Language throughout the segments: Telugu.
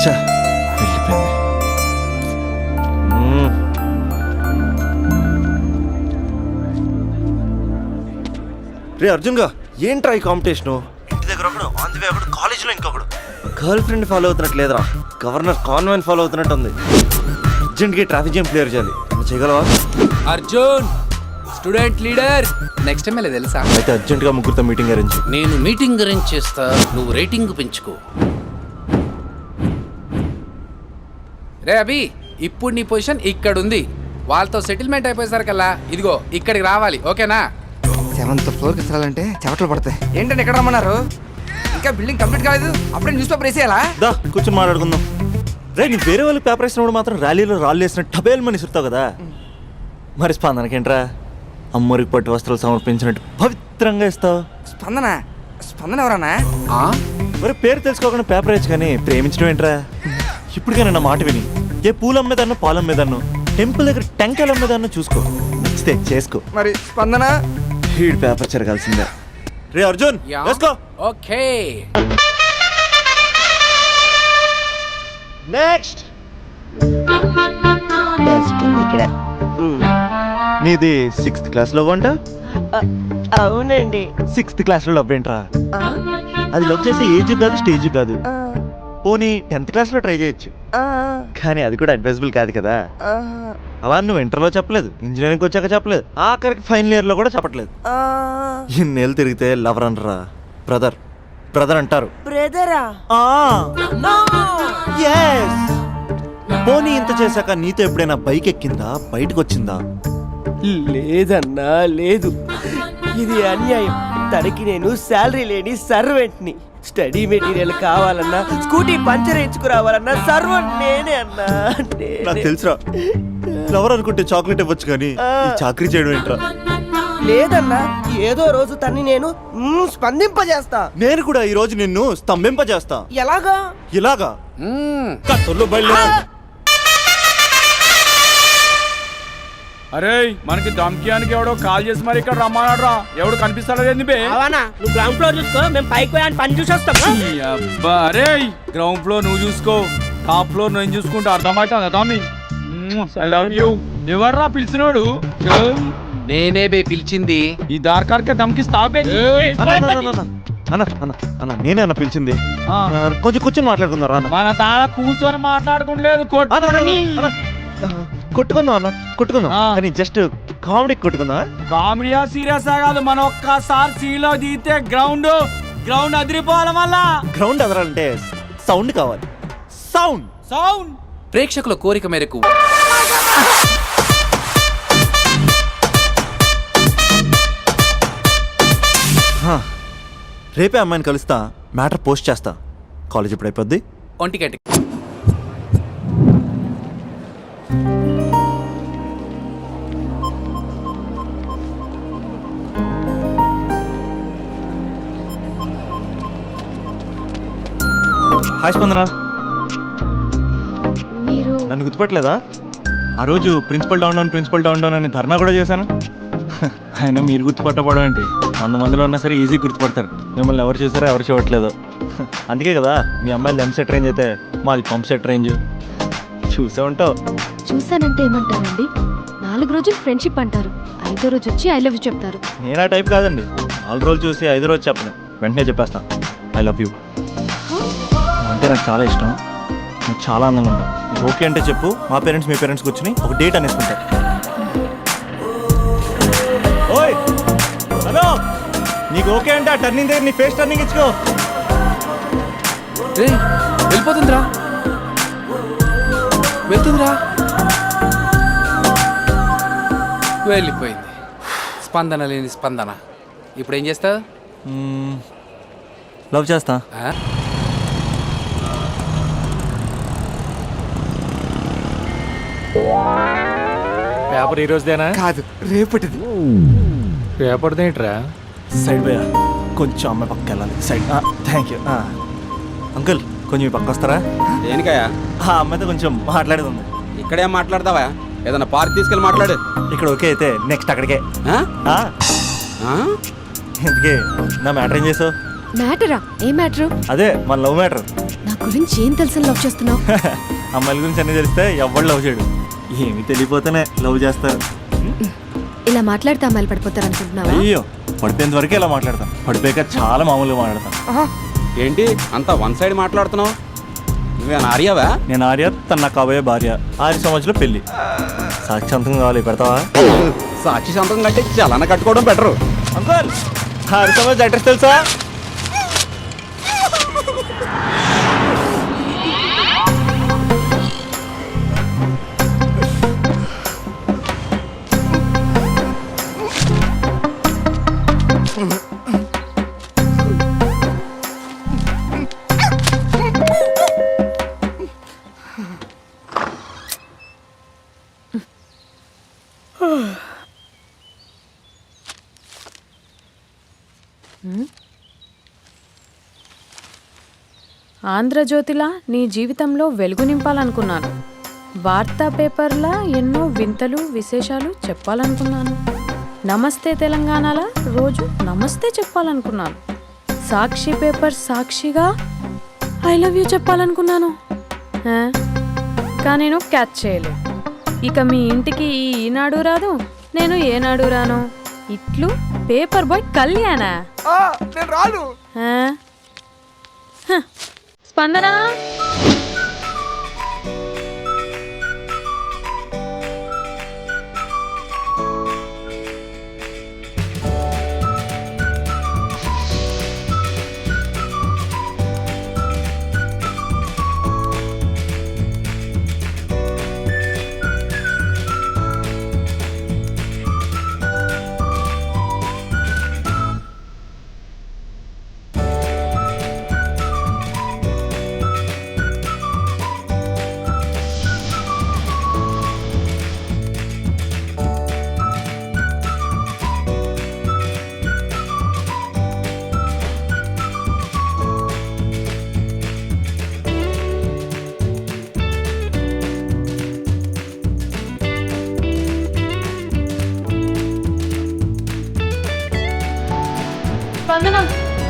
వెళ్ళిపోయింది. రే అర్జున్గా ఏంట్రా ఈ కాంపిటీషను? ఇంటి దగ్గర ఒకడు, ఆన్ ది వే ఒకడు, కాలేజీలో ఇంకొకడు. గర్ల్ ఫ్రెండ్ ఫాలో అవుతున్నట్టు లేదురా, గవర్నర్ కాన్వెంట్ ఫాలో అవుతున్నట్టు ఉంది. అర్జెంట్గా ట్రాఫిక్ జామ్ క్లియర్ చేయాలి. నువ్వు చేయగలవా? Arjun student leader next time తెలుసా? అయితే అర్జెంట్గా ముగ్గురితో మీటింగ్ అరేంజ్. నేను మీటింగ్ అరేంజ్ చేస్తా, నువ్వు రేటింగ్ పెంచుకో. రే అభి, ఇప్పుడు నీ పొజిషన్ ఇక్కడ ఉంది. వాళ్ళతో సెటిల్మెంట్ అయిపోయేసరికల్లా ఇదిగో ఇక్కడికి రావాలి, ఓకేనా? 7th ఫ్లోర్కి వెళ్ళాలంటే చెమటలు పడతాయి. ఏంటంటే ఎక్కడ రమ్మన్నారు? ఇంకా బిల్డింగ్ కంప్లీట్ కాలేదు, అప్పుడే న్యూస్ పేపర్ వేసేయాలా? దా కూర్చొని మాట్లాడుకుందాం. రే నీ వేరే వాళ్ళకి పేపర్ వేసినప్పుడు మాత్రం ర్యాలీలో రాళ్ళు వేసిన టబేల్ మని ఇస్తావు కదా, మరి స్పందనకేంట్రా అమ్మరికి పట్టు వస్త్రాలు సమర్పించినట్టు పవిత్రంగా ఇస్తావు? స్పందన స్పందన ఎవరన్నా? మరి పేరు తెలుసుకోకుండా పేపర్ వేయచ్చు కానీ ప్రేమించడం ఏంట్రా? ఇప్పటికైనా నా మాట విని ఏ పూలు అమ్మేదాన్నో పాలు అమ్మేదాన్నో టెంపుల్ దగ్గర టెంకాయలు అమ్మేదాన్నో చూసుకో, నచ్చితే చేసుకో. మరి స్పందన హీడ్ పేపర్ చెరగాల్సిందే. రే అర్జున్ వేసుకో. ఓకే నెక్స్ట్ నీది 6th క్లాస్ లో వంట? అవునండి. 6th క్లాస్ లో లవ్ ఏంట్రా? అది లవ్ చేసే ఏజ్ కాదు, స్టేజ్ కాదు. పోనీ 10th క్లాస్ లో ట్రై చేయొచ్చు, కానీ అది కూడా అడ్వైజబుల్ కాదు కదా. అలా నువ్వు ఇంటర్లో చెప్పలేదు, ఇంజనీరింగ్ వచ్చాక చెప్పలేదు, ఆఖరికి ఫైనల్ ఇయర్ లో కూడా చెప్పట్లేదు. ఇన్నేళ్ళు తిరిగితే లవర్ అనరా, బ్రదర్ బ్రదర్ అంటారు. బ్రదరా? పోనీ ఇంత చేశాక నీతో ఎప్పుడైనా బైక్ ఎక్కిందా, బయటకు వచ్చిందా? లేదన్నా లేదు, ఇది అన్యాయం. తనకి నేను శాలరీ లేని సర్వెంట్ని. స్టడీ మెటీరియల్ కావాలన్నా, స్కూటీ పంచర్ వేయించుకురావాలన్నా సర్వెంట్ నేనే అన్నా. నాకు తెలుసురా, లవర్ అనుకుంటే చాక్లెట్ ఇవ్వచ్చు కానీ ఈ చాకరీ చేయడం ఏంట్రా? లేదన్నా, ఏదో రోజు తన్ని నేను స్పందింపజేస్తా. నేను కూడా ఈ రోజు నిన్ను స్తంభింపజేస్తా. ఎలాగా? ఇలాగా కత్తుల్లో బయలు. అరే మనకి దమ్కియానికి ఎవడో కాల్ చేసి మరి ఇక్కడ రమ్మన్నాడ్రా. ఎవడు కనిపిస్తాడో ఏంది బే? అవనా, నువ్వు గ్రౌండ్ ఫ్లోర్ చూసుకో, మేము పైకి పోయి పని చూసి వస్తాం. అబ్బా అరే, గ్రౌండ్ ఫ్లోర్ నువ్వు చూసుకో, టాప్ ఫ్లోర్ నేను చూసుకుంటే అర్థమవుతుంది తమ్మి. I love you. ఎవర్రా పిలిచినోడు? నేనే బే పిలిచింది. ఈ దార్కార్కే దమ్కిస్తావే? అన్న నేనే అన్న పిలిచింది. కొంచెం కూర్చొని మాట్లాడుకుందాం రా. మన తాళ కూర్చొని మాట్లాడుకుంటలేదు, కొట్టుకుందాం అన్న, కొట్టుకుందాం కానీ జస్ట్ కామెడీ కొట్టుకుందాం. కామెడీయా సీరియస్ కాదు, మన ఒక్కసారి సీలో దిగితే గ్రౌండ్ అదిరిపోవాలి. మళ్ళా గ్రౌండ్ అదరాలంటే సౌండ్ కావాలి. సౌండ్ సౌండ్ ప్రేక్షకుల కోరిక మేరకు రేపే అమ్మాయిని కలుస్తా, మ్యాటర్ పోస్ట్ చేస్తా. కాలేజ్ ఇప్పుడు అయిపోద్ది. ఒంటిగంట హాయ్ స్పందన, నన్ను గుర్తుపట్టలేదా? ఆ రోజు ప్రిన్సిపల్ డౌన్ డౌన్ అని ధర్నా కూడా చేశాను. ఆయన మీరు గుర్తుపట్టపడం ఏంటి? 100 మందిలో ఉన్నా సరే ఈజీ గుర్తుపడతారు. మిమ్మల్ని ఎవరు చూసారో ఎవరు చూడట్లేదు. అందుకే కదా మీ అమ్మాయిలు ఎంసెట్ రేంజ్ అయితే మాది పంప్ సెట్ రేంజ్. చూసే ఉంటావు. చూసానంటే ఏమంటారండి? 4 రోజులు ఫ్రెండ్షిప్ అంటారు, 5వ రోజు వచ్చి ఐ లవ్ యూ చెప్తారు. నేను ఆ టైప్ కాదండి. 4 రోజులు చూసి 5వ రోజు చెప్పను, వెంటనే చెప్పేస్తాను ఐ లవ్ యూ. అంటే నాకు చాలా ఇష్టం, నువ్వు చాలా అందంగా ఉంటావు. నీకు ఓకే అంటే చెప్పు, మా పేరెంట్స్ మీ పేరెంట్స్ కూర్చుని ఒక డేట్ అనేసుకుంటారు. ఓయ్ హలో, నీకు ఓకే అంటే ఆ టర్నింగ్ దగ్గర నీ ఫేస్ టర్నింగ్ ఇచ్చుకో. వెళ్ళిపోతుందిరా, వెళ్తుందిరా, వెళ్ళిపోయింది. స్పందన లేని స్పందన. ఇప్పుడు ఏం చేస్తావు? లవ్ చేస్తా. పేపర్ ఈ రోజుదేనా? కాదు, రేపటిది. పేపర్ దేంట్రా? సైడ్ పోయా, కొంచెం అమ్మాయి పక్క వెళ్ళాలి. సైడ్. Thank you. అంకుల్ కొంచెం మీ పక్క వస్తారా? దేనికయ్యా? ఆ అమ్మాయితో కొంచెం మాట్లాడేది ఉంది. ఇక్కడేం మాట్లాడతావా? ఏదన్నా పార్క్ తీసుకెళ్ళి మాట్లాడు. ఇక్కడ ఓకే అయితే నెక్స్ట్ అక్కడికే. ఇందుకే నా మ్యాటర్ ఏం చేసావు? మ్యాటరా? ఏ మ్యాటరు? అదే మన లవ్ మ్యాటర్. నా గురించి ఏం తెలుసు లవ్ చేస్తున్నావు? అమ్మాయిల గురించి అన్నీ తెలిస్తే ఎవడు లవ్ చేయడు. ఏమి తెలియపోతేనే లవ్ చేస్తారు. ఇలా మాట్లాడితే అమ్మాయిలు పడిపోతారు అనుకుంటున్నావా? అయ్యో, పడిపోయేంత వరకే ఇలా మాట్లాడతాం. పడిపోయాక చాలా మామూలుగా మాట్లాడతాం. ఏంటి అంతా వన్ సైడ్ మాట్లాడుతున్నావు? నువ్వేనా ఆర్యావా? నేను ఆర్య, తన నాకు కాబోయే భార్య. 6 సంవత్సరాలు పెళ్లి. సాక్షాంతం కావాలి, పెడతావా? సాక్షి సంతకం కంటే చలన కట్టుకోవడం బెటరు. అంకుల్, 6 సంవత్సరాలు అడ్రస్ తెలుసా? ఆంధ్రజ్యోతిలా నీ జీవితంలో వెలుగు నింపాలనుకున్నాను. వార్తా పేపర్లా ఎన్నో వింతలు విశేషాలు చెప్పాలనుకున్నాను. నమస్తే తెలంగాణలా రోజు నమస్తే చెప్పాలనుకున్నాను. సాక్షి పేపర్ సాక్షిగా ఐ లవ్ యూ చెప్పాలనుకున్నాను. కానీ నేను క్యాచ్ చేయలేదు. ఇక మీ ఇంటికి ఈనాడు రాదు, నేను ఏనాడు రాను. ఇట్లు పేపర్ బాయ్ కళ్యాణా? నేను రాను. స్పందన, స్పందన,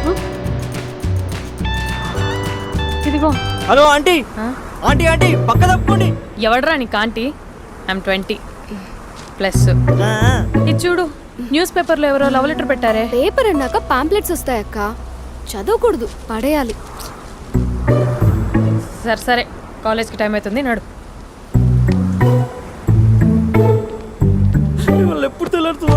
ఇదిగో. Hello aunty. ఆంటీ ఆంటీ పక్క తప్పుకోండి. ఎవడరా నీకు ఆంటీ? I'm 20 plus. ఇది చూడు, న్యూస్ పేపర్లో ఎవరో లవ్ లెటర్ పెట్టారే. పేపర్ అన్నాక పాంప్లెట్స్ వస్తాయక్క, చదవకూడదు, పడేయాలి. సరే సరే, కాలేజ్కి టైం అవుతుంది, నడు. ఎప్పుడు తెల్లారుతుందో.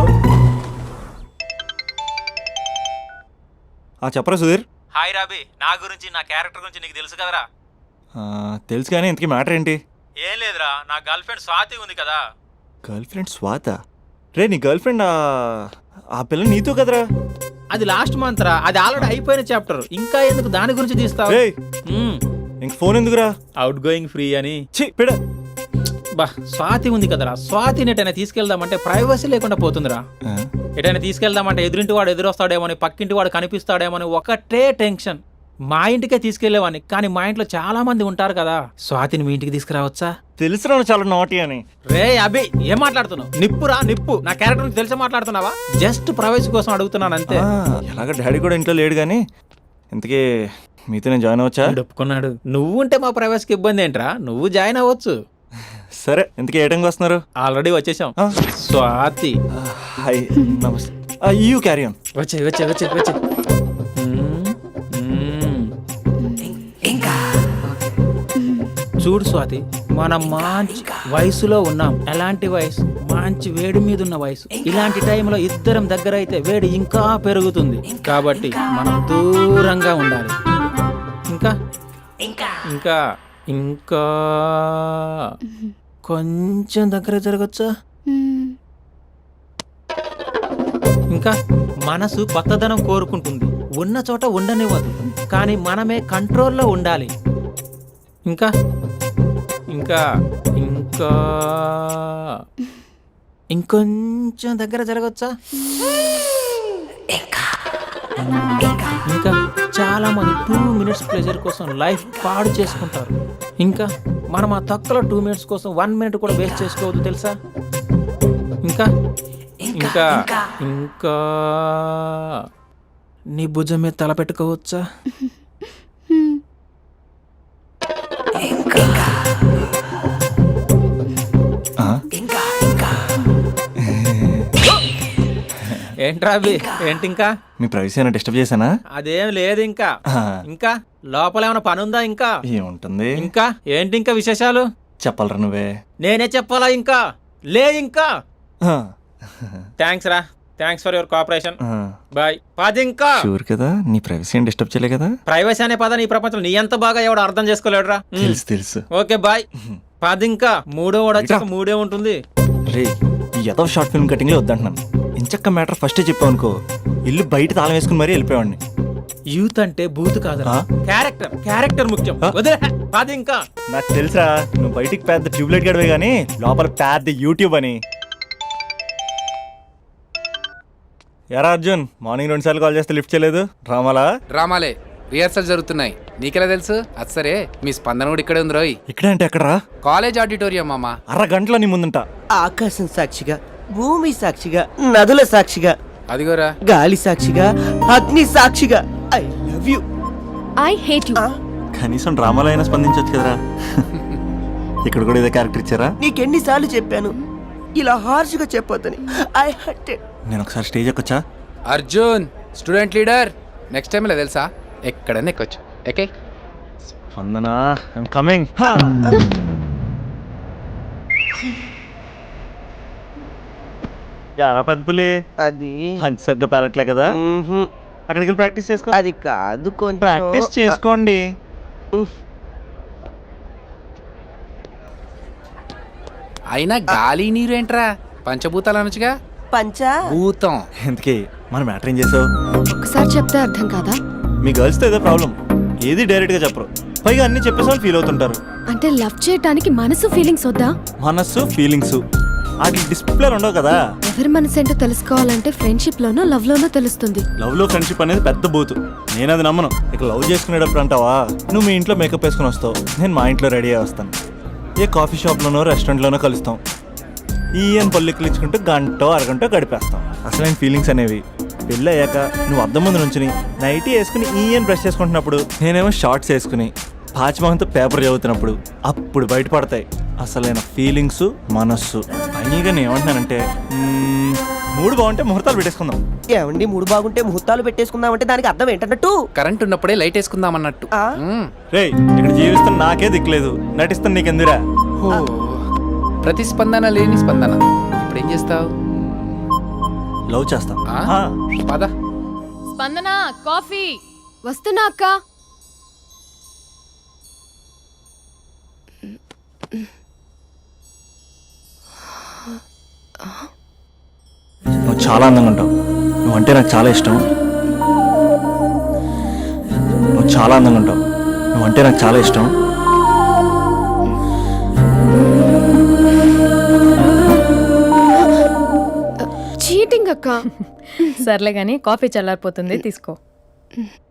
చెప్పరా సుధీర్? హాయ్ రాబీ, నా గురించి నా క్యారెక్టర్ గురించి నీకు తెలుసు కదరా? తెలుసు, కానీ ఇంతకీ మ్యాటర్ ఏంటి? ఏం లేదురా, నా గర్ల్ ఫ్రెండ్ స్వాతి ఉంది కదా. Girl friend స్వాత? రే, నీ గర్ల్ ఫ్రెండ్ ఆ పిల్ల నీతో కదరా? అది లాస్ట్ మంత్ రా, అది ఆల్రెడీ అయిపోయిన చాప్టర్. ఇంకా ఎందుకు దాని గురించి తీస్తావు? రే, ఇంక ఫోన్ ఎందుకురా? అవుట్ గోయింగ్ ఫ్రీ అని. పిడ. బా, స్వాతి ఉంది కదరా, స్వాతిని ఎటైనా తీసుకెళ్దామంటే ప్రైవసీ లేకుండా పోతుందిరా. ఎటైనా తీసుకెళ్దామంటే ఎదురింటి వాడు ఎదురొస్తాడేమోని, పక్కింటి వాడు కనిపిస్తాడేమోని ఒకటే టెన్షన్. మా ఇంటికే తీసుకెళ్లేవాడిని, కానీ మా ఇంట్లో చాలా మంది ఉంటారు కదా. స్వాతిని మీ ఇంటికి తీసుకురావచ్చా? తెలుసురా చాలా నాటి అని. రే అభి, ఏం మాట్లాడుతున్నావు? నిప్పురా నిప్పు. నా క్యారెక్టర్ తెలిసి మాట్లాడుతున్నావా? జస్ట్ ప్రైవసీ కోసం అడుగుతున్నాను అంతే. ఎలాగ డాడీ కూడా ఇంట్లో లేడు, కానీ ఇంతకీ మీతో నేను జాయిన్ అవ్వచ్చా? ఒప్పుకున్నాడు. నువ్వు ఉంటే మా ప్రైవసీకి ఇబ్బంది ఏంట్రా, నువ్వు జాయిన్ అవ్వచ్చు. సరే, ఇంతకీ ఏ టైంకి వస్తున్నారు? ఆల్రెడీ వచ్చేసాం. స్వాతి, హాయ్, నమస్తే. You carry on. వచ్చే వచ్చే వచ్చే వచ్చే. చూడు స్వాతి, మనం మంచి వయసులో ఉన్నాం. ఎలాంటి వయసు? మంచి వేడి మీద ఉన్న వయసు. ఇలాంటి టైంలో ఇద్దరం దగ్గర అయితే వేడి ఇంకా పెరుగుతుంది. కాబట్టి మనం దూరంగా ఉండాలి. ఇంకా ఇంకా ఇంకా కొంచెం దగ్గర జరగచ్చా? ఇంకా మనసు కొత్తదనం కోరుకుంటుంది, ఉన్న చోట ఉండనివ్వదు, కానీ మనమే కంట్రోల్లో ఉండాలి. ఇంకా ఇంకా ఇంకా ఇంకొంచెం దగ్గర జరగచ్చా? ఇంకా చాలా మంది 2 minutes ప్లెజర్ కోసం లైఫ్ పాడు చేసుకుంటారు. ఇంకా మనం ఆ తక్కువ 2 minutes కోసం 1 minute కూడా వేస్ట్ చేసుకోవద్దు, తెలుసా? ఇంకా ఇంకా ఇంకా నీ భుజం మీద తల పెట్టుకోవచ్చా? ఏంట్రా అవి? ఏంటి ఇంకా? మీ ప్రైవసీ అయినా డిస్టర్బ్ చేశానా? అదేం లేదు ఇంకా. ఇంకా లోపల ఏమైనా పని ఉందా ఇంకా? ఏముంటుంది? ఇంకా ఏంటి ఇంకా విశేషాలు? చెప్పాలరా నువ్వే. నేనే చెప్పాలా ఇంకా? లే ఇంకా. థ్యాంక్స్ రా, thanks for your cooperation. Bye. పది ఇంకా. షూర్ కదా, నీ ప్రైవసీ ఏం డిస్టర్బ్ చేయలే కదా? ప్రైవసీ అనే పద నీ ప్రపంచం నీ ఎంత బాగా ఎవడు అర్థం చేసుకోలేడురా. తెలుసు తెలుసు. Okay bye. పది ఇంకా. మూడో వాడు వచ్చాక మూడే ఉంటుంది. రే, ఈ ఏదో షార్ట్ ఫిల్మ్ కటింగ్ లో వద్దంటున్నాను. ఇంచక్క మ్యాటర్ ఫస్టే చెప్పావు అనుకో, ఇల్లు బయట తాళం వేసుకుని మరీ వెళ్ళిపోయాడిని. యూత్ అంటే బూత్ కాదురా, క్యారెక్టర్. క్యారెక్టర్ ముఖ్యం. వదిలే. పది ఇంకా. నాకు తెలుసా, నువ్వు బయటికి పెద్ద ట్యూబ్లైట్ గడవే గానీ లోపల పెద్ద యూట్యూబ్ అని. ఎరా అర్జున్, మార్నింగ్ 2 సార్లు కాల్ చేస్తే లిఫ్ట్ చేయలేదు. డ్రామాలే, రిహర్సల్ జరుగుతున్నాయి. నీకెలా తెలుసు? అది సరే, మీ స్పందన కూడా ఇక్కడే ఉంది రోయ్. ఇక్కడ అంటే ఎక్కడరా? కాలేజ్ ఆడిటోరియం మామ. అరగంటలో నీ ముందుంటా. ఆకాశం సాక్షిగా, భూమి సాక్షిగా, నదుల సాక్షిగా, అదిగోరా గాలి సాక్షిగా, అగ్ని సాక్షిగా, I love you. I hate you. కనీసం డ్రామాలో అయినా స్పందించవచ్చు కదరా. ఇక్కడ కూడా ఇదే క్యారెక్టర్ ఇచ్చారా? నీకెన్నిసార్లు చెప్పాను ఇలా హార్ష్గా చెప్పొద్దని. I hurted. నేను ఒకసారి స్టేజ్ ఎక్కొచ్చా? Arjun student leader. Next time ఇలా తెలుసా, ఎక్కడన్నా ఎక్కొచ్చు. Okay Spandana, I'm coming. యారా పద్పులే, అది హంచ్ సరిగ్గా పెరట్లే కదా, అక్కడికి వెళ్ళి ప్రాక్టీస్ చేసుకో. అది కాదు, కొంచెం ప్రాక్టీస్ చేసుకోండి. అయినా గాలి నీరు ఏంట్రా, పంచభూతాలు అనొచ్చుగా. పంచా భూతం. ఎందుకే మన మ్యాటర్ ఏం చేసావు? ఒకసారి చెప్తే అర్థం కాదా? మీ గర్ల్స్తో ఏదో ప్రాబ్లం, ఏది డైరెక్ట్ గా చెప్పరు, పైగా అన్ని చెప్పేసి వాళ్ళు ఫీల్ అవుతుంటారు. అంటే లవ్ చేయడానికి మనసు ఫీలింగ్స్ వద్దా? మనస్సు ఫీలింగ్స్ వాటి డిస్ప్లే ఉండవు కదా. ఎవరి మనసు ఏంటో తెలుసుకోవాలంటే ఫ్రెండ్షిప్ లోనో లవ్ లోనో తెలుస్తుంది. లవ్ లో ఫ్రెండ్షిప్ అనేది పెద్ద బూతు, నేను అది నమ్మను. ఇక లవ్ చేసుకునేటప్పుడు అంటావా, నువ్వు మీ ఇంట్లో మేకప్ వేసుకుని వస్తావు, నేను మా ఇంట్లో రెడీ అయ్యి వస్తాను. ఏ కాఫీ షాప్లోనో రెస్టారెంట్లోనో కలుస్తాం, ఈయన పల్లెక్కులు ఇచ్చుకుంటూ గంటో అరగంటో గడిపేస్తాం. అసలైన ఫీలింగ్స్ అనేవి పెళ్ళి అయ్యాక నువ్వు అద్దం ముందు నుంచుని నైటీ వేసుకుని ఈయన బ్రష్ చేసుకుంటున్నప్పుడు, నేనేమో షార్ట్స్ వేసుకుని పాచిమహంతో పేపర్ చదువుతున్నప్పుడు అప్పుడు బయటపడతాయి అసలైన ఫీలింగ్స్, మనస్సు. ఫైనల్గా నేను ఏమంటున్నానంటే, మూడు బాగుంటే ముహూర్తాలు పెట్టేసుకుందాం. ఏమండి, మూడు బాగుంటే ముహూర్తాలు పెట్టేసుకుందామంటే దానికి అర్థం ఏంటన్నట్టు? కరెంట్ ఉన్నప్పుడే లైట్ వేసుకుందాం అన్నట్టు. రేయ్, ఇక్కడ జీవిస్తున్న నాకే దిక్కులేదు, నటిస్తున్న నీకెందురా? ప్రతిస్పందన లేని స్పందన. ఇప్పుడు ఏం చేస్తావు? లవ్ చేస్తాం. పద. స్పందన కాఫీ. వస్తున్నా అక్క. నువ్వు చాలా అందంగా ఉంటావు, నువ్వంటే నాకు చాలా ఇష్టం. నువ్వు చాలా అందంగా ఉంటావు, నువ్వంటే నాకు చాలా ఇష్టం. చీటింగ్ అక్క. సర్లే గానీ కాఫీ చల్లారిపోతుంది, తీసుకో.